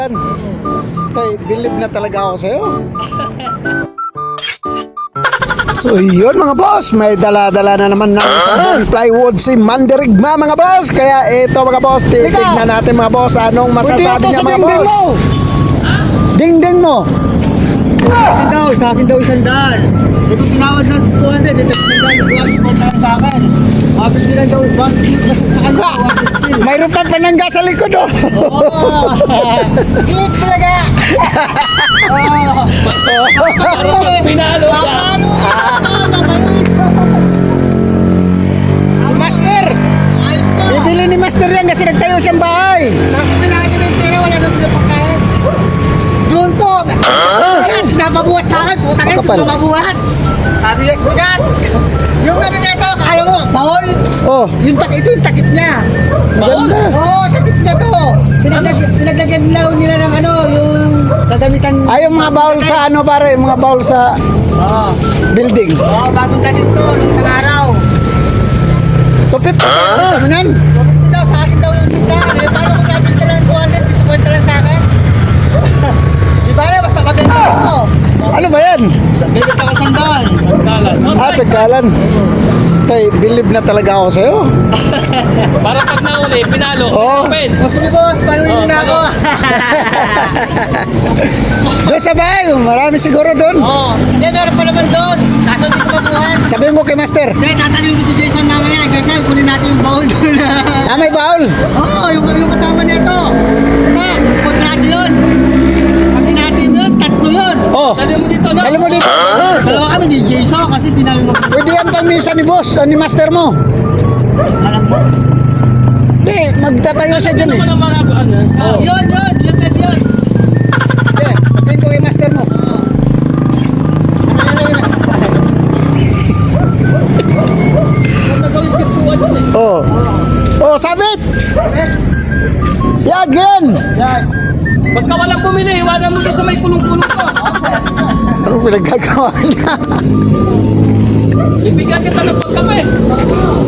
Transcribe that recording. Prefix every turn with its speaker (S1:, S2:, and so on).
S1: Tay, believe na talaga ako sa'yo. So yun mga boss, may dala-dala na naman ng isang plywood si Mandirigma mga boss. Kaya ito mga boss, titignan natin mga boss anong masasabi niya mga boss. Ding-ding mo.
S2: Sa akin daw isang daan. Ito tinawad ng 200, ito isang daan sa akin. Mabili lang daw 150 sa kanya, 150.
S1: Mayroon pa panangga sa likod oh.
S2: Hit talaga!
S3: Pinalo siya.
S1: Si Master, bibili ni Master yan kasi nagtayo siyang bahay.
S2: Wala nang pinapakain. Doon to! Napabuhat sa akin, putang ito,
S1: Makapal.
S2: napabuhat! Sabi ko, bugat! Yung ano na ito, alam mo, bahol!
S1: Oh,
S2: Yung ito yung takip niya!
S1: maganda.
S2: Oo, takip niya to! Pinaglagyan nila ng ano, yung kagamitan...
S1: Ay, yung mga bowl sa ano pare, yung mga bowl sa
S2: Oo,
S1: building.
S2: bagong takip to, nung isang araw.
S1: Tupit, kami nan.
S2: Bakit daw, sa akin daw yung tindahan, eh, paano kung nabit ka lang 200, disappoint ka lang sa akin? Di ba na, basta mabenta ito.
S1: Ano ba yan?
S2: Bigyan sa kasandaan.
S3: Kalan.
S1: Ah, sagkalan. Tay, believe na talaga ako sa'yo.
S3: Para pag nauli, pinalo.
S1: Oo.
S3: Open.
S2: O sige boss, paano
S3: Oh,
S2: na ako?
S1: Doon sa bahay, marami siguro doon.
S2: Oo, hindi, meron pa naman doon. Kaso hindi ko mabuhan.
S1: Sabihin mo kay Master.
S2: Hindi, tatanungin ko si Jason mamaya. Jason, kunin natin yung baul doon.
S1: Ah, may bowl.
S2: Oo, yung kasama nito. Diba, kontrado yun. Pag natin yun, tatlo yun.
S1: Oh,
S3: Dali mo dito, no?
S1: dali mo dito.
S2: Dalawa kami ni Jason kasi di namin
S1: Pwede yan pamisa ni boss, ni Master mo.
S2: alam mo.
S1: Hindi, magtatayo siya dyan eh.
S3: Ano naman ang mga ano?
S2: Oh, yun, pwede yun.
S1: Okay, sabihin ko kay Master mo.
S3: Huwag na gawin pintuan yun eh.
S1: Oh. Oh, sabit! Yan, yan!
S2: Yan.
S3: Pagka walang bumili, iwanan mo doon sa may kulong-kulong ko.
S1: Ano pinagkagawa niya?
S3: Ibigyan kita ng pagkape.